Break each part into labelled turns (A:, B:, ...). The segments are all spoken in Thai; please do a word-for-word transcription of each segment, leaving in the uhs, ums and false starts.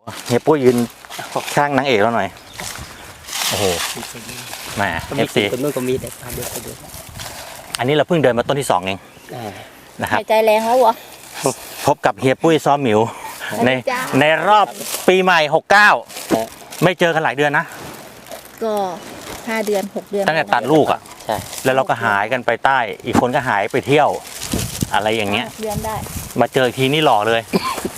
A: เฮียปุ้ยยืนข้างนางเอกเราหน่อยโอ้โหแหมเอฟซี
B: คนนู้นก็มีแต่เดียวกันด้วย
A: อันนี้เราเพิ่งเดินมาต้นที่สองเองนะครับ
C: ใจแรงแล้ววะ
A: พบกับเฮียปุ้ยซ้อมหมิวในในรอบปีใหม่หกเก้าไม่เจอกันหลายเดือนนะ
C: ก็ห้าเดือนหกเดือน
A: ตั้งแต่ตัดลูกอ่ะใช่แล้วเราก็หายกันไปใต้อีกคนก็หายไปเที่ยวอะไรอย่างเงี้ย
C: เดือนได้
A: มาเจอทีนี่หล่อเลย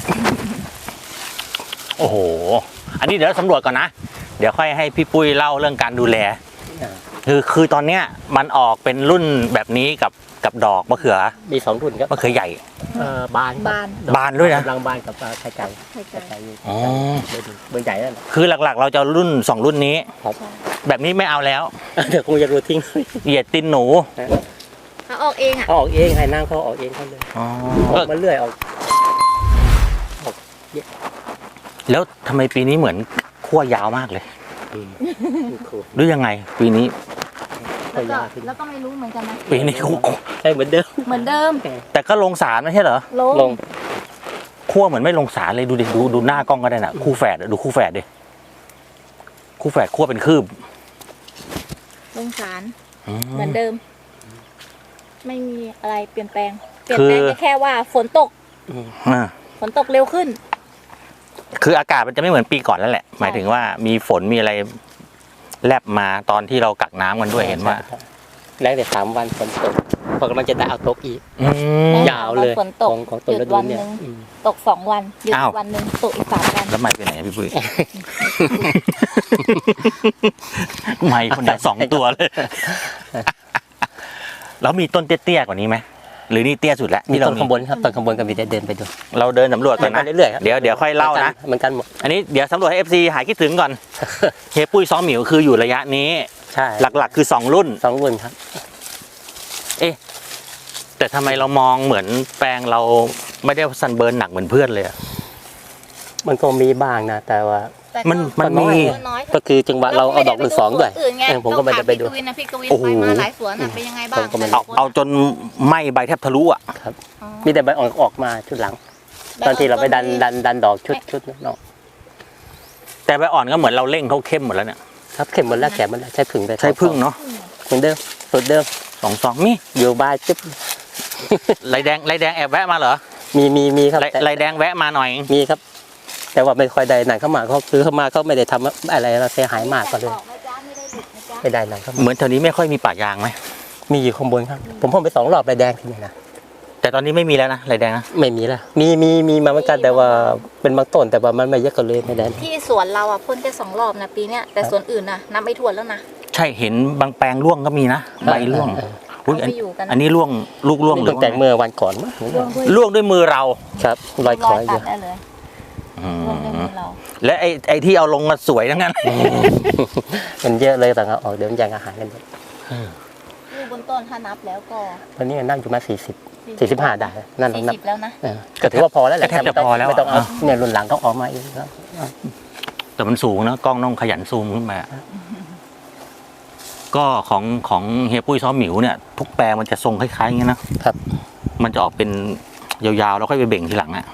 A: โอ้โหอันนี้เดี๋ยวสำรวจก่อนนะเดี๋ยวค่อยให้พี่ปุ้ยเล่าเรื่องการดูแลคือคือตอนเนี้ยมันออกเป็นรุ่นแบบนี้กับกับดอกมะเขือ
B: มีสองรุ่นครับ
A: มะเขือใหญ่
B: บาน
C: บาน
A: บานด้วยนะ
B: กำลังบานกับไข่ไก่ไข่ไก่อ๋อเบอร์ใหญ่นั่น
A: คือหลักๆเราจะรุ่นสองรุ่นนี้แบบนี้ไม่เอาแล้ว
B: เดี๋ยวคงจะรู้ทิ้ง
A: เหยียดตินหนู
C: เขาออกเองอ่ะ
B: เขาออกเองให้นั่งเขาออกเองเขาเลยออกมาเรื่อยออก
A: แล้วทำไมปีนี้เหมือนขั้วยาวมากเลยหรือยังไงปีนี้
C: แล้วก็แล้วก็ไม่รู้เหมือนกันนะ
A: ปีนี้
B: ใช่เหมือนเดิม
C: เหมือนเดิม
A: แต่ก็ลงสารไม่ใช่เหรอ
C: ลง
A: ขั้วเหมือนไม่ลงสารเลยดูดิดูดูหน้ากล้องก็ได้น่ะคู่แฝดดูคู่แฝดดิคู่แฝดขั้วเป็นคืบ
C: ลงสารเหมือนเดิมไม่มีอะไรเปลี่ยนแปลงเปลี่ยนแปลงแค่ว่าฝนตกฝนตกเร็วขึ้น
A: คืออากาศมันจะไม่เหมือนปีก่อนแล้วแหละหมายถึงว่ามีฝนมีอะไรแลบมาตอนที่เรากักน้ำกันด้วยเห็นว่า
B: แรงแต่สามวันฝนตกพอกำลังจะได้เอาตกอีกยาวเลย
C: ฝนตกหยุดวันหนึ่งตกสองวันหยุดวันหนึ่งตกอีกสามวัน
A: แล้วไม่ไปไหนพี่ปุ้ยไม่คนไหนสองตัวเลยแล้วมีต้นเตี้ยๆกว่านี้ไหมหรือนี่เตี้ยสุดแล้ว
B: มีต้นข้างบนครับต้นข้างบนก็มีได้เดินไปดู
A: เราเดินสำรวจกันนะ
B: เรื่อยๆ
A: เดี๋ยวเดี๋ยวค่อยเล่านะ
B: เหมือนกันหมด
A: อันนี้เดี๋ยวสำรวจให้ เอฟ ซี หายคิดถึงก่อนเฮียปุ้ยซ้อมหมิวคืออยู่ระยะนี้
B: ใช่
A: หลักๆคือสองรุ่น
B: สองรุ่นครับ
A: เอ๊ะแต่ทำไมเรามองเหมือนแปลงเราไม่ได้ซันเบิร์นหนักเหมือนเพื่อนเลย
B: มันก็มีบ้างนะแต่ว่า
A: มันมันมี
B: ก็คือจังหวะเราเอาดอกรุ่นสองด้วยผมก็ไม่ได้ไปดู
C: โอ้โหมาหลายสวนเป็นยังไงบ้าง
A: เอาเอาจนไหม้ใบแทบทะลุอ่ะ
B: ครับมีแต่ใบออกออกมาชุดหลังตอนที่เราไปดันดันดันดอกชุดชุดนอก
A: แต่ใบอ่อนก็เหมือนเราเร่งเขาเข้มหมดแล้วเนี่ย
B: ครับเข้มหมดแล้วแข็งหมดแล้วใช้ผึ่งไป
A: ใช้ผึ่งเนาะ
B: เหมือนเดิมสุดเดิม
A: สองสองนี่
B: อยู่บ้านจิ๊บ
A: ไรแดงไรแดงแอบแวะมาเหรอ
B: มีมีมีครับ
A: ไรแดงแวะมาหน่อย
B: มีครับแต่ว่าไม่ค่อยได้หนังเข้ามาเขาซื้อเข้ามาเขาไม่ได้ทำอะไรเราเสียหายมากก็เลยไม่ได้หนังเข้ามา
A: เหมือนแถวนี้ไม่ค่อยมีป่ายางไหม
B: มีอยู่ข้างบนครับผมพ่นไปสองรอบไรแดงที่นี่นะ
A: แต่ตอนนี้ไม่มีแล้วนะไรแดงนะ
B: ไม่มีแล้วมีมีมีมาเหมือนกันแต่ว่าเป็นบางต้นแต่ว่ามันไม่เยอะกันเลยไม่ได้
C: ที่สวนเราอ่ะพ่นแค่สองรอบนะปีเนี้ยแต่สวนอื่นนะนับไม่ถ้วนแล้วนะ
A: ใช่เห็นบางแปลงร่วงก็มีนะใบร่วงอันนี้ร่วงลูกร่วงหรือ
B: แต่เมื่อวันก่อนมั้ง
A: ร่วงด้วยมือเรา
B: ครับรอยคอยอยู่
A: และไอ้ไอ้ที่เอาลงมาสวยทั้งนั้น
B: มันเยอะเลยแต่เอาออกเดี๋ยวมันแย่งอาหารกันหมด
C: ลูกบนต้นถ้านับแล้วก็
B: ตอนนี้นั่งอยู่มาสี่สิบสี่สิบห้าได้นั่น
C: นับแล้วนะ
B: ก็ถือว่าพอแล้วแหละ
A: แทบจะพอแล้ว
B: ไม่ต้องเอาเนี่ยรุ่นหลังต้องออกมาเองครับ
A: แต่มันสูงนะกล้องต้องขยันซูมขึ้นมาก็ของของเฮียปุ้ยซ้อมหมิวเนี่ยทุกแปลงมันจะทรงคล้ายๆอย่างนี้นะครับมันจะออกเป็นยาวๆแล้วค่อยไปเบ่งทีหลังอ่ะ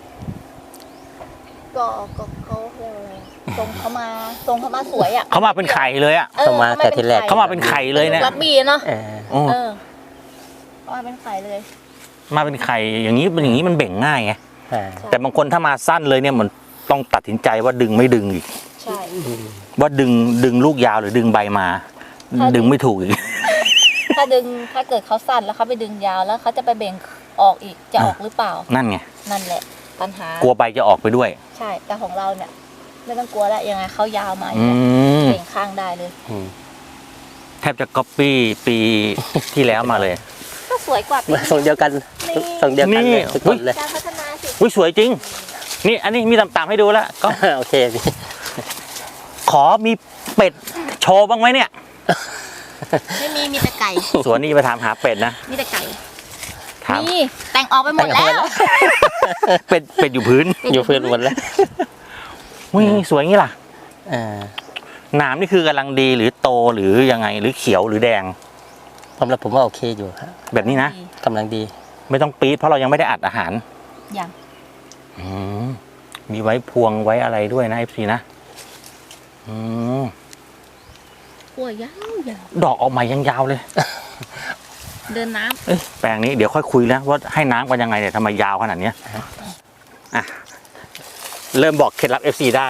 C: ก็ก็เขาเรียกอะไรทรงเขามาทรงเขามาสวยอ่ะ
A: เขามาเป็นไข่เลยอ่ะ
B: เขามาแต่ทีแรก
A: เขามาเป็นไข่เลยเนี่ย
C: รักบีเนาะเออมาเป็นไข่เลย
A: มาเป็นไข่อย่างนี้เป็นอย่างนี้มันเบ่งง่ายไงแต่บางคนถ้ามาสั้นเลยเนี่ยมันต้องตัดสินใจว่าดึงไม่ดึงอีก
C: ใช่
A: ว่าดึงดึงลูกยาวหรือดึงใบมาดึงไม่ถูกอีก
C: ถ้าดึงถ้าเกิดเขาสั้นแล้วเขาไปดึงยาวแล้วเขาจะไปเบ่งออกอีกจะออกหรือเปล่า
A: นั่นไง
C: นั่นแหละปัญหาก
A: ลัวใบจะออกไปด้วย
C: ใช่แต่ของเราเนี่ยไม่ต้องกลัวแล้วยังไงเขายาวมาเบ่งข้างได้เลย
A: แทบจะก๊อปปี้ปีที่แล้วมาเลย
C: ก็สวยกว่า
B: ส่งเดียวกันส่งเดียวกันเลยทุกคนเลย
C: การพัฒนาสิ
A: อุ้ยสวยจริงนี่อันนี้มีต่ำๆให้ดูแล้วก็
B: โอเค
A: ขอมีเป็ดโชว์บ้างไหมเนี่ย
C: ไม่มีมีแต่ไก่
A: สวนนี้ไปถามหาเป็ดนะ
C: มีแต่ไก่นี่แต่งออกไปหมดแล้ว
A: เป็ดเป็ดอยู่พื้น
B: อยู่พื้นหมดแล้ว
A: วิ่งสวยงี้ล่ะหนามนี่คือกำลังดีหรือโตหรือยังไงหรือเขียวหรือแดง
B: ผมแล้วผมว่าโอเคอยู่
A: แบบนี้นะ
B: กำลังดี
A: ไม่ต้องปี๊ดเพราะเรายังไม่ได้อัดอาหาร
C: ยัง
A: มีไว้พวงไว้อะไรด้วยนะ เอฟ ซี นะอืม
C: หัวยาวยาว
A: ดอกออกใหม่ยังยาวเลย
C: เดินน้ำ
A: เอ้ยแปลงนี้เดี๋ยวค่อยคุยแล้วว่าให้น้ำกันยังไงเนี่ยทำไมยาวขนาดเนี้ยอ่ะเริ่มบอกเคล็ดลับ เอฟ ซี ได้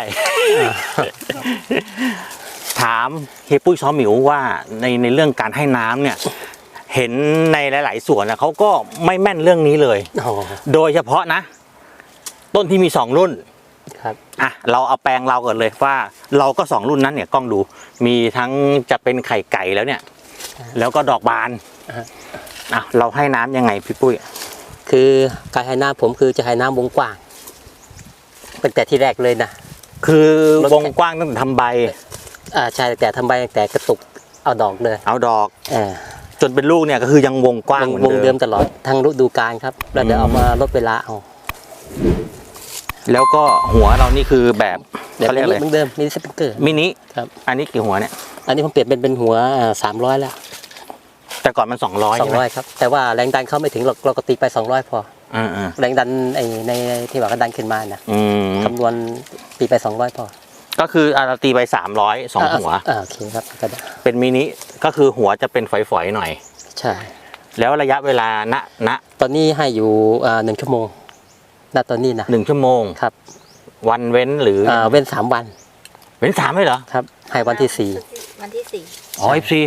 A: ถามเฮียปุ้ยซ้อหมิวว่าในในเรื่องการให้น้ำเนี่ย เห็นในหลาย ๆ ส่วนนะเขาก็ไม่แม่นเรื่องนี้เลย
B: อ๋อ
A: โดยเฉพาะนะ ต้นที่มีสองรุ่น
B: ครับ
A: อ่ะเราเอาแปลงเราก่อนเลยว่าเราก็สองรุ่นนั้นเนี่ยกล้องดู มีทั้งจะเป็นไข่ไก่แล้วเนี่ย แล้วก็ดอกบาน
B: อ่า
A: อ่ะเราให้น้ำยังไงพี่ปุ้ย
B: คือการให้น้ำผมคือจะให้น้ำวงกว้างตั้งแต่ที่แรกเลยนะ
A: คือวงกว้างตั้งแต่ทำใบ
B: อ่าใช่แต่ทำใบแต่กระตุกเอาดอกเลย
A: เอาดอก
B: เออ
A: จนเป็นลูกเนี่ยก็คือยังวงกว้าง
B: วง
A: เหมือน
B: วง
A: เดิ
B: เดิ
A: ม
B: มตลอดทั้งฤดูกาลครับแล้วเดี๋ยวเอามาลดเวลาเอา
A: แล้วก็หัวเรานี่คือแบบ
B: เดี๋ยว
A: เขาเรียกอะไร
B: เหมือนเดิมมีสปริงเกอร์
A: มินิ
B: ครับ
A: อันนี้กี่หัวเนี่ย
B: อันนี้ผมเปลี่ยนเป็นเป็นหัวสามร้อยแล้ว
A: แต่ก่อนมันสองร้อย
B: สอ
A: ใช่
B: ง
A: ไหม
B: ร้อยครับแต่ว่าแรงดันเขาไม่ถึงเราเราก็ตีไปสองร้อยพอ
A: อ่าอ่า
B: แรงดันไอ้ในที่ว่าก็ดันขึ้นมานะ
A: อืม
B: คำนวณตีไปสองร้อยพอ
A: ก็คืออ่ะเราตีไปสามร้อยสองหัว
B: อ่าโอเคครับก็ได้
A: เป็นมินิก็คือหัวจะเป็นฝอยๆหน่อย
B: ใช่
A: แล้วระยะเวลาณณ
B: ตอนนี้ให้อยู่อ่าหนึ่งชั่วโมงณตอนนี้นะ
A: หนึ่งชั่วโมง
B: ครับ
A: วันเว้นหรือ
B: อ่าเว้นสามวัน
A: เว้นสามเลยเหรอ
B: ครับให้วันที่สี่
C: วันที่สี่
A: อ๋อเอฟซี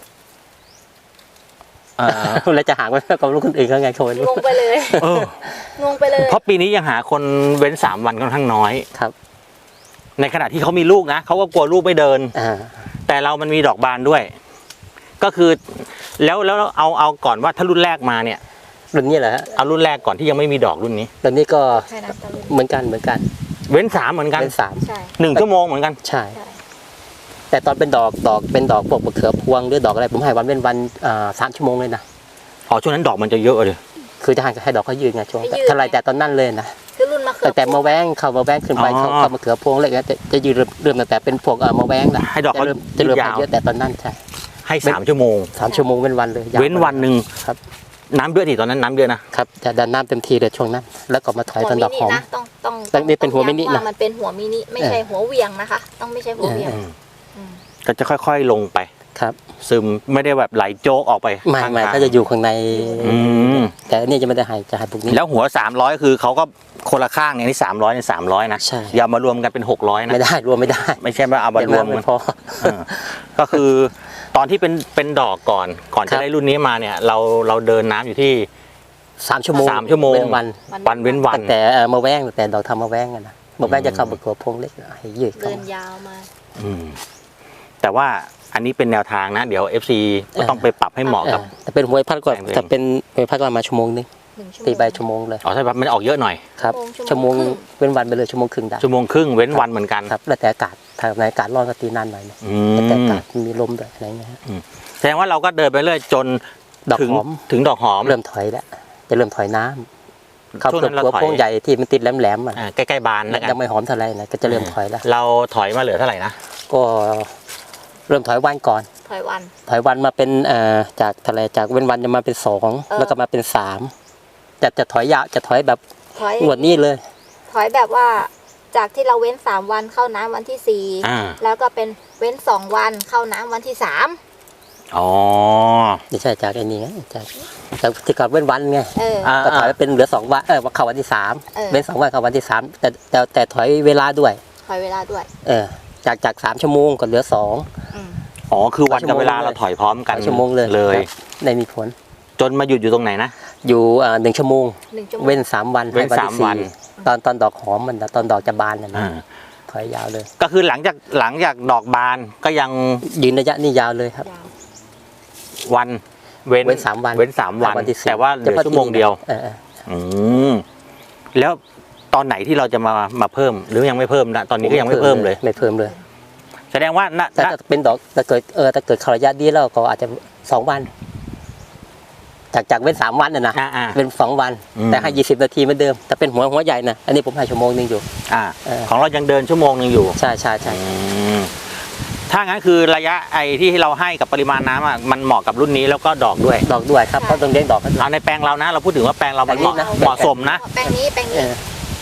A: อ่า
B: แล้วจะห่างไว้กับลูกคนอื่นเขาไงเขาไม่รู้
C: งงไปเลย
A: เออ
C: งงไปเลย
A: เพราะปีนี้ยังหาคนเว้นสามวันค่อนข้างน้อย
B: ครับ
A: ในขณะที่เขามีลูกนะเขาก็กลัวลูกไม่เดิน
B: อ่า
A: แต่เรามันมีดอกบานด้วย ก็คือ แล้วแล้วเอาเอาก่อนว่าถ้ารุ่นแรกมาเนี่ย
B: รุ่นนี้เหรอฮะ
A: เอารุ่นแรกก่อนที่ยังไม่มีดอกรุ่นนี้
B: รุ่นนี้ก็
C: ใช่น้ำตาล
B: เหมือนกันเหมือนกัน
A: เว้นสามเหมือนกัน
B: เป็นสาม
C: ใช่
A: หนึ่งชั่วโมงเหมือนกัน
B: ใช่
C: ใช่
B: แต่ตอนเป็นดอกดอกเป็นดอกพวกมะเขือพวงหรือดอกอะไรผมให้วันเป็นวันอ่าสามชั่วโมงเลยนะ
A: อ๋อช่วงนั้นดอกมันจะเยอะเลย
B: คือจะให้ให้ดอกเขายืนไงช่วงเท่าไรแต่ตอนนั้นเลยนะ
C: คือรุ่นมะเขื
B: ตั้งแต่มะแว้งเข้ามาแว้งขึ้นไป
A: อ๋อ
B: เข้าเข้ามะเขือพวงอะไรเงี้ยจะจะยืนเริ่มเริ่มตั้งแต่เป็นพวกเอ่อมะแว้งนะ
A: ให้ดอกเขา
B: จะเริ่มจะเริ่ม
A: ยาว
B: ให้เยอะแต่ตอนนั้นใช่
A: ให้สามชั่วโมง
B: สามชั่วโมงเป็นวันเลยยา
A: เว้นวันหนึ่ง
B: ครับ
A: น้ำเดือดอีกตอนนั้นน้ำเดือดนะครับ
B: จะดันน้ำเต็มที่เลยช่วงนั้น แล้วก็มาถอยตอนดอกหอม
C: นะต้องต้อง
B: ต้องนี่เป็นหัวมินินะ
C: ว่ามันเป็นหัวมินิไม่ใช่หัวเหวียงนะคะ ต้องไม่ใช่หัวเหวียง
A: อืม
C: อืม
A: ก็จะค่อยๆลงไป
B: ครับ
A: ซึมไม่ได้แบบไหลโจกออกไป
B: ไม่
A: ข้าง
B: ไม่
A: ทาง
B: ก็จะอยู่ข้างใน
A: อืม
B: แต่อันนี้จะไม่ได้ใหายจะใหายพวกนี้
A: แล้วหัวสามร้อยคือเขาก็คนละข้างเนี่ยนี่สามร้อยเนี่ยสามร้อยนะ
B: ใช่
A: อย่ามารวมกันเป็นหกร้อยนะ
B: ไม่ได้รวมไม่ได้
A: ไม่ใช่ว่าเอามารวม
B: เดี๋
A: กั
B: ยวน ไพอ
A: เออก็คือตอนที่เป็นเป็นดอกก่อน ก่อน
B: ครั
A: จะ
B: บ
A: ได้รุ่นนี้มาเนี่ย เราเราเดินน้ำอยู่ที่
B: สามชั่วโมง
A: สามชั่วโมง
B: เป็นวัน
A: วันเว้นวัน
B: ตั้งแต่เอ่อมาแว้งตั้งแต่ดอกทำมาแว้งกันนะมาแว้งจะเข้ามะเขือพวงเล็กให้ยืดเข้า
C: เดิน
B: มาย
C: าวมา
A: อืมแต่ว่าอันนี้เป็นแนวทางนะ เดี๋ยว เอฟ ซี ก็ต้องไปปรับให้เหมาะกับ
B: เออแต่เป็นหวยพัดก่อน
A: แปลงตัวเอง
B: แต่เป็นหวยพัดก่อนมาชั่วโมงนึง
C: หนึ่งชั่วโมง
B: ตีใบชั่วโมงเลย
A: อ๋อใช่ครับมันออกเยอะหน่อย
B: ครับ
C: ชั่
B: ชั่
C: ว
B: ว
C: โม
B: โม
C: ง
B: ง
C: ครึ่ง
B: เป็นวันไปเลยชั่วโมงครึ่งได้
A: ชั่วโมงครึ่งเว้นวันเหมือนกัน
B: ครับแล้วแต่อากาศถ้าในอากาศร้อนก็ตีนานหน่อยนะ
A: อื
B: แล้วแต่อา
A: ม
B: กาศมีลมด้วยอะไรเงี้ยฮะ
A: แสดงว่าเราก็เดินไปเรื่อยจน
B: ดอก
A: ถึง
B: หอม
A: ถึงดอกหอม
B: เริ่มถอยแล้วจะเริ่มถอยน้ำเข้า
A: ช่วง
B: เปลื
A: นั้
B: อก
A: นเรา
B: หัว
A: ถอย
B: พวงใหญ่ที่มันติดแหลมๆอ่ะ
A: อ่าใกล้ๆบานแล้วกัน
B: ยังไม่หอมเท่าไหร่นะก็จะเริ่มถอยแล้ว
A: เราถอยมาเหลือเท่าไหร่นะ
B: ก็เริ่มถอยวันก่อน
C: ถอยวัน
B: ถอยวันมาเป็นเอ่อจากทะเลจากเว้นวันจะมาเป็นสอง
C: เออ
B: แล้วก็มาเป็นสามจะจะถอยยาวจะถอยแบบ
C: ถอย
B: งวดนี้เลย
C: ถอยแบบว่าจากที่เราเว้นสามวันเข้าน้ำวันที่สี่
A: อ่า
C: แล้วก็เป็นเว้นสองวันเข้าน้ำวันที่สาม
A: อ๋อ
B: ไม่ใช่จากไอ้นี่ไงจากจากที่ก่อนเว้นวันไง
C: เออ
A: อ่า
B: ก็ถอยไปเป็นเหลือสองวันเออเข้าวันที่สาม
C: เออ
B: เว้นสองวันเข้าวันที่สามแต่แต่แต่ถอยเวลาด้วย
C: ถอยเวลาด้วย
B: เออจากจากสามชั่วโมงก็เหลือสอง
C: อืม
A: อ๋อคือวันกับเวลา
B: ชั่วโมงเลย
A: เราถอยพร้อมกัน
B: ชั่วโมงเลย
A: เลย
B: ครับได้มีผล
A: จนมาหยุดอยู่ตรงไหนนะ
B: อยู่อ่าหนึ่งชั่วโมง
C: หนึ่งชั่วโมง
B: เว้นสามวัน
A: เว้น
B: ให้
A: สาม
B: ที่
A: วัน
B: ตอนตอนดอกหอมมันนะตอนดอกจะบานน่ะนะ
A: อ่า
B: ถอยยาวเลย
A: ก็คือหลังจากหลังจากดอกบานก็ยัง
B: ยืนระยะนี่ยาวเลยครับ
C: ยาว
A: วันเว้น
B: เว้นสามวัน
A: เว้นสามวัน
B: วันที่สี่
A: แต่ว่าเหลือชั่วโมงเดียว
B: เออเออ
A: อืมแล้วตอนไหนที่เราจะมามาเพิ่ม หรือยังไม่เพิ่มนะตอนนี้ก็ยังไม่เพิ่มเลย
B: ไม่เพิ่มเลย
A: แสดงว่าณ
B: แต่
A: ณ
B: ถ้าเป็นดอกถ้าเกิดเออถ้าเกิดเขาระยะดีแล้วก็อาจจะสองวัน จากจากเว้นสามวันน่ะนะ
A: อ่าอ่า
B: เป็นสองวัน
A: อืม
B: แต่ให้ยี่สิบนาทีเหมือนเดิมแต่เป็นหัวหัวใหญ่นะอันนี้ผมให้ชั่วโมงหนึงอยู่
A: อ่า
B: เออ
A: ของเรายังเดินชั่วโมงหนึ่งอยู่
B: ใช่ใช่ใช่
A: อืมถ้างั้นคือระยะไอที่เราให้กับปริมาณน้ำอ่ะมันเหมาะกับรุ่นนี้แล้วก็ดอกด้วย
B: ดอกด้วยครับเพราะต้องเลี้ยงดอกกันด้วย
A: เอาในแปลงเรานะ เราพูดถึงว่าแปลงเรามันเหมาะ
B: แปลงนี้นะ
A: เหมาะสมนะ
C: แปลงนี้แปลง
B: เอ
C: นี้
B: อ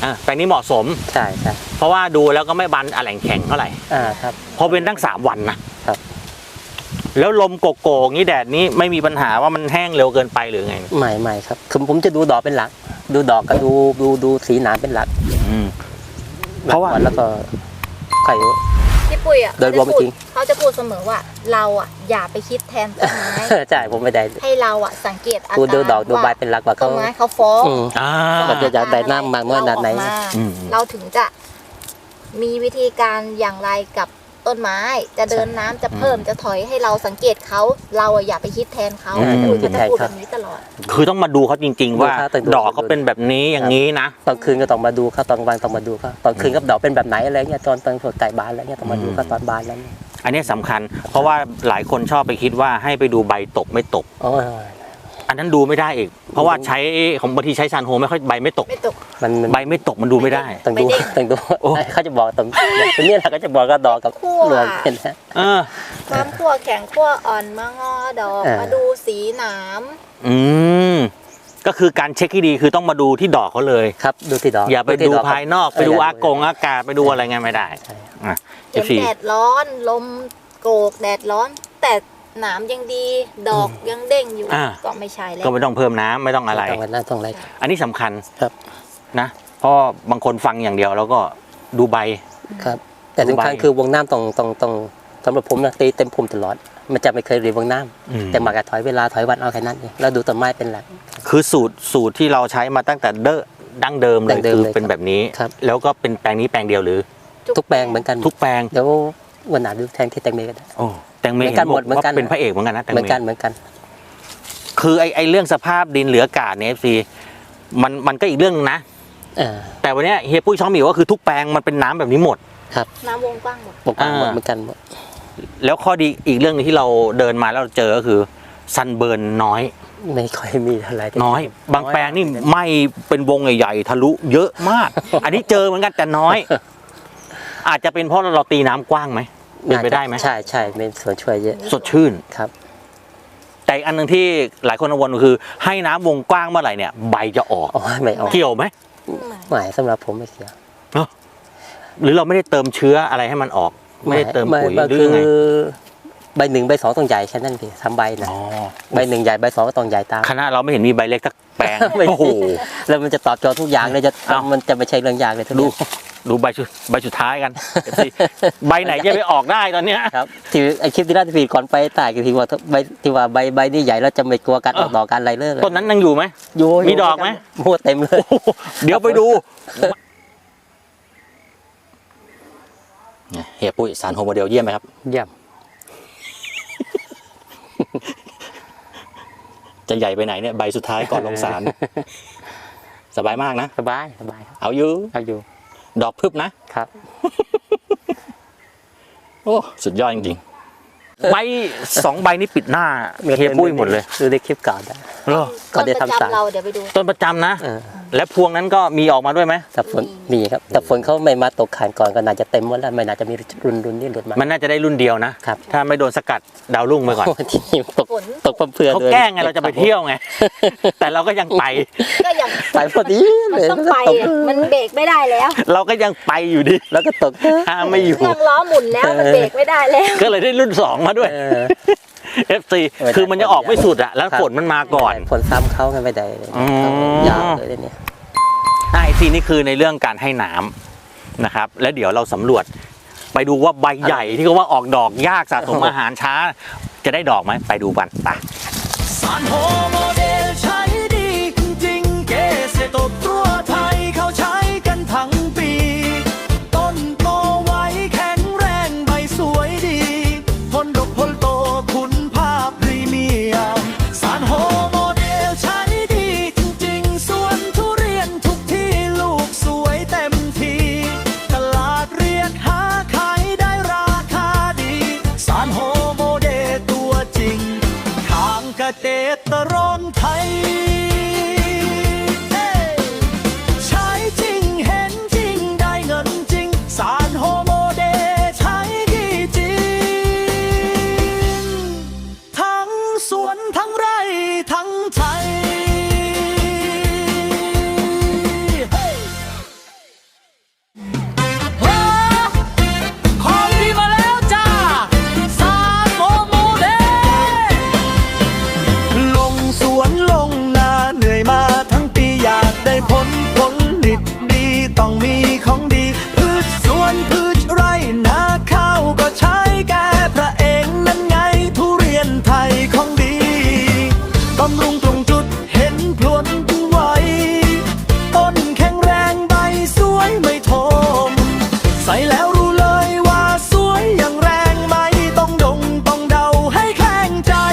A: อ่าแปลงนี้เหมาะสม
B: ใช่ใช่
A: เพราะว่าดูแล้วก็ไม่บานอะแหล่งแข็งเท่าไหร่
B: อ่าครับ
A: เพราะเป็นตั้งสามวันนะครับ แล้วลมโกโก้งี้แดดนี้ไม่มีปัญหาว่ามันแห้งเร็วเกินไปหรือไง
B: ไม่ไม่ครับคือผมจะดูดอกเป็นหลัก ดูดอกก็ดูดูดูสีหนามเป็นหลัก
A: อืมเพราะว่า
B: แล้วก็ไข่
C: พี่ปุ้ยอ่ะ
B: โดยรวม
C: เขาจะพู
B: จริง
C: เขาจะพูดเสมอว่าเราอ่ะอย่าไปคิดแทนต้นไม้
B: ใช่ผมไม่ได้
C: ให้เราอ่ะสังเกตอา
B: ดู
C: การ
B: ดูดอกดูใบ
C: ว่า
B: เป็นหลักว่า
C: ต้
B: เขา
C: นไม้เขาฟ้อง
B: อืม
A: อ่า
B: ก็จะ ได้น้ำมากน้อยขนาดไหน
C: เรออกมา
A: อืม
C: เราถึงจะมีวิธีการอย่างไรกับต้นไม้ จะเดินน้ำจะเพิ่มจะถอยให้เราสังเกตเขาเราอะอย่าไปคิดแทนเขา
A: อืม
C: ปุ้ยก็จะพูดแบบนี้ตลอด
A: คือต้องมาดูเขาจริง ๆ ว่า
B: ดูเขาแต่ดู
A: ดอกเขาเป็นแบบนี้อย่างนี้นะ
B: ตอนคืนก็ต้องมาดูเขาตอนกลางวันต้องมาดูเขาตอนคืนกับดอกเป็นแบบไหนอะไรเงี้ยตอนตอนสดไก่บานอะไรเงี้ยต้องมาดูเขาตอนบานแล้วเนี่ย
A: อันนี้สำคัญ เพราะว่าหลายคนชอบไปคิดว่าให้ไปดูใบตกไม่ตก
B: อ๋อ
A: อันนั้นดูไม่ได้อีก เพราะว่าใช้ของบางทีใช้ซานโฮไม่ค่อยใบไม่ตก
C: ไม่ตก
B: มันมัน
A: ใบไม่ตกมันดูไม่ได้
B: ต้องดู
C: ไม่ได้
B: ต้องดู
A: โอ้
B: เขาจะบอกตรงตัวนี้แหละเขาจะบอกกับดอกกับ
C: คั่ว
B: รวมกันนะ
A: เออ
C: ความขั้วแข็งขั้วอ่อนมางอดอก
B: เออ
C: มาดูสีหนาม
A: อืมก็คือการเช็คที่ดีคือต้องมาดูที่ดอกเขาเลย
B: ครับดูที่ดอก
A: อย่าไป
B: ที่
A: ดู
B: อก
A: ภายนอก ไปดูอากงอากาศไปดูอะไรเงี้ยไม่ได้
B: ใช่
A: อ่ะ
C: เห็น
A: สี่
C: แดดร้อน ลมโกกแดดร้อน แต่หนามยังดี ดอกยังเด้งอยู่
A: อ่า
C: ก็ไม่ใช่แล้ว
A: ก็ไม่ต้องเพิ่มน้ำไม่ต้องอะไร
B: ต้องวันนั้นต้องอะไร
A: อันนี้สำคัญ
B: ครับ
A: นะ เพราะบางคนฟังอย่างเดียวแล้วก็ดูใบ
B: ครับ แต่สำคัญคือวงน้ำต้องต้องต้องสำหรับผมนะตีเต็มพุ่มตลอด มันจะไม่เคยรีวงน้ำ
A: อืม
B: แต่หมากจะถอยเวลาถอยวันเอาแค่นั้นเองแล้วดูต้นไม้เป็นหลัก
A: คือสูตรสูตรที่เราใช้มาตั้งแต่เด้อดั้งเดิมเล
B: ดั้
A: ย
B: งเดิม
A: คือ
B: เลย
A: เป็น
B: ครับ
A: แบบนี้
B: ครับ
A: แล้วก็เป็นแปลงนี้แปลงเดียวหรือ
B: ทุกแปลงเหมือนกัน
A: ทุกแปลง
B: เดี๋ยววันหนาดูแทงที่แตงเมก็ได้
A: โอ้แตงเม
B: เหมือนกัน
A: เห็นบอก
B: หมดเหมือน
A: ว่า
B: กัน
A: เป็นพระเอกเหมือนกันนะแตง
B: เหมือน
A: เม
B: กันเหมือนกัน
A: คือไอไอเรื่องสภาพดินเหลืออากาศเนี่ยซีมันมันก็อีกเรื่องนึงนะ
B: อ่า
A: แต่วันเนี้ยเฮียปุ้ยช้องหมิวก็คือทุกแปลงมันเป็นน้ำแบบนี้หมด
C: น้ำวงกว้างหมด
B: ปกติหมด
A: อ่า
B: เหมือนกันหมด
A: แล้วข้อดีอีกเรื่องหนึงที่เราเดินมาแล้วเราเจอก็คือซันเบิร์นน้อย
B: ไม่ค่อยมีเท่าไหร่
A: น้อย บางแปลงนี่ไหม่เป็นวงใหญ่ๆทะลุเยอะมาก อันนี้เจอเหมือนกันแต่น้อย อาจจะเป็นเพราะเราตีน้ำกว้างไหมเป็นไปได้ไหม
B: ใช่ใช่เป็นส่วนช่วยเยอะ
A: สดชื่น
B: ครับ
A: แต่อีกอันหนึ่งที่หลายคนกังวลก็คือ ให้น้ำวงกว้างเมื่อไหร่เนี่ยใบจะออก
B: อ๋อไม่ออก
A: เกี่ยวไหม
B: ไม่สำหรับผมไม่เกี่ยว
A: หรือเราไม่ได้เติมเชื้ออะไรให้มันออก ไม่ได้เติมปุ๋ย
B: ไไ
A: หรือ
B: คื
A: ยังไง
B: ใบหนึ่งใบสองต้องใหญ่แค่นั้นพี่ทำใบนะ
A: อ๋อ
B: ใบหนึ่งใหญ่ใบสองก็ต้องใหญ่ตาม
A: คณะเราไม่เห็นมีใบเล็กสักแปลง
B: ไม่
A: โอ้โห
B: แล้วมันจะตอบโจทย์ทุกอย่างเลยจะ
A: เอ้า
B: มันจะไม่ใช่เรื่องยากเลยทุก
A: ดู
B: อย่าง
A: ดูใบชุดใบสุดท้ายกัน ใบไหนจะไปออกได้ตอนเนี้ย
B: ครับที่ไอคลิปที่แรกที่พี่ก่อนไปตายก็ที่ว่าใบที่ว่าใบใบนี่ใหญ่แล้วจะไม่กลัวการออกดอกการอะไรเลย
A: ต้นนั้นยังอยู่ไหม
B: อยู่
A: มีดอกไหม
B: มัวเต็มเลย
A: เดี๋ยวไปดูเฮียปุ้ยสารโฮโมเดลเยี่ยมไหมครับ
B: เยี่ยม
A: จะใหญ่ไปไหนเนี่ยใบสุดท้ายก่อนลงสาร สบายมากนะ
B: สบายสบายครับ
A: เอาอยู่
B: เอาอยู่
A: ดอกพึบนะ
B: ครับ
A: โอ้สุดยอดจริงๆใบสองใบนี้ปิดหน้าเฮียปุ้ยหมดเลย
B: ดูในคลิปเก่าได้
A: เหรอ
B: ก่อน
C: ต้น
B: จะ
C: ประ
B: ทำสาร
C: จำเราเดี๋ยวไปดู
A: ต้นประจำนะ
B: เออ
A: และพวงนั้นก็มีออกมาด้วยไหม
B: แต่ฝนมีครับแต่ฝนเขาไม่มาตกขานก่อนก็น่าจะเต็มหมดแล้วไม่น่าจะมีรุนรุนนี่หลุดมา
A: มันน่าจะได้รุ่นเดียวนะ
B: ครับ
A: ถ้าไม่โดนสกัดดาวรุ่งไปก่อน
B: โที่นี่ตก
C: ฝน
B: ตกเพื่อ
A: เขา
B: ด้วย
A: แกล้งไงเราจะไปเที่ยวไง แต่เราก็ยังไป
C: ก็ยัง
B: ไปพอดี
C: มัน
B: เลย
C: ต้อง
B: แล้วก็
C: ไป
B: ตก
C: อะมันเบรกไม่ได้แล้ว
A: เราก็ยังไปอยู่ดี
B: แล้วก็ตก
A: ห้ามไม่อยู่
C: เครื่องล้อหมุนแล้วมันเบรกไม่ได้แล้ว
A: ก็เลยได้รุ่นสองมาด้วย
B: เออ
A: เอฟ ซี
B: ไม่ได้
A: คือมันจะออกไม่สุดอะแล้ว
B: ครับ
A: ฝนมันมาก่อน
B: ฝนซ้ำเขาไงไม่ได้เลย
A: อ๋อ
B: ยาวเลยเนี่ย
A: ไอซีนี่คือในเรื่องการให้น้ำนะครับ แล้วเดี๋ยวเราสำรวจ ไปดูว่าใบใหญ่ที่เขาว่าออกดอกยากสะสมอาหารช้า จะได้ดอกไหมไปดูกันไป
D: สารโฮโมเดลใช้ดีจริงๆเกษตรกรไทยเขาใช้กันทั้งปี ต้นโตไวแข็งแรงใบสวยดีผลดกผลโตคุณภาพพรีเมียมสารโฮโมเดลใช้ดีจริงๆสวนทุเรียนทุกที่ลูกสวยเต็มทีตลาดเรียกหาขายได้ราคาดีสารโฮโมเดลตัวจริงทางเกษตรกรไทยใช้จริงเห็นจริงได้เงินจริงสารโฮโมเดลใช้ดีจริงทั้งสวนทั้งไร่ทั้งไทยส่แล้วรู้เลยว่าสวยอย่างแรงไม่ต้องดงต้องเดาให้แข่งใจ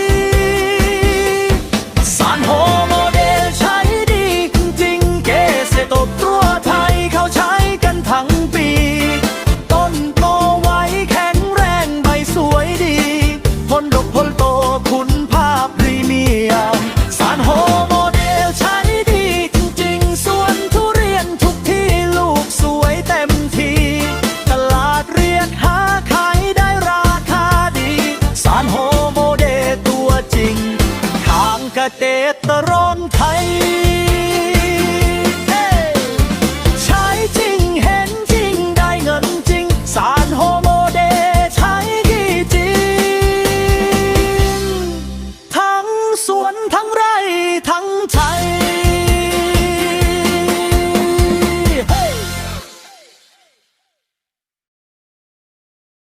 D: สารโฮโมเดลใช้ดีจริงเกษตรกตัวไทยเขาใช้กันทั้งปีต้นโตไวแข็งแรงใบสวยดีผลดกผลโตคุณภาพพรีเมียมสารโฮโมเดลใช้ดีจริงๆสวนทุเรียนทุกที่ลูกสวยเต็มทีตลาดเรียกหาขายได้ราคาดีสารโฮโมเดลตัวจริงทางเกษตรกรไทย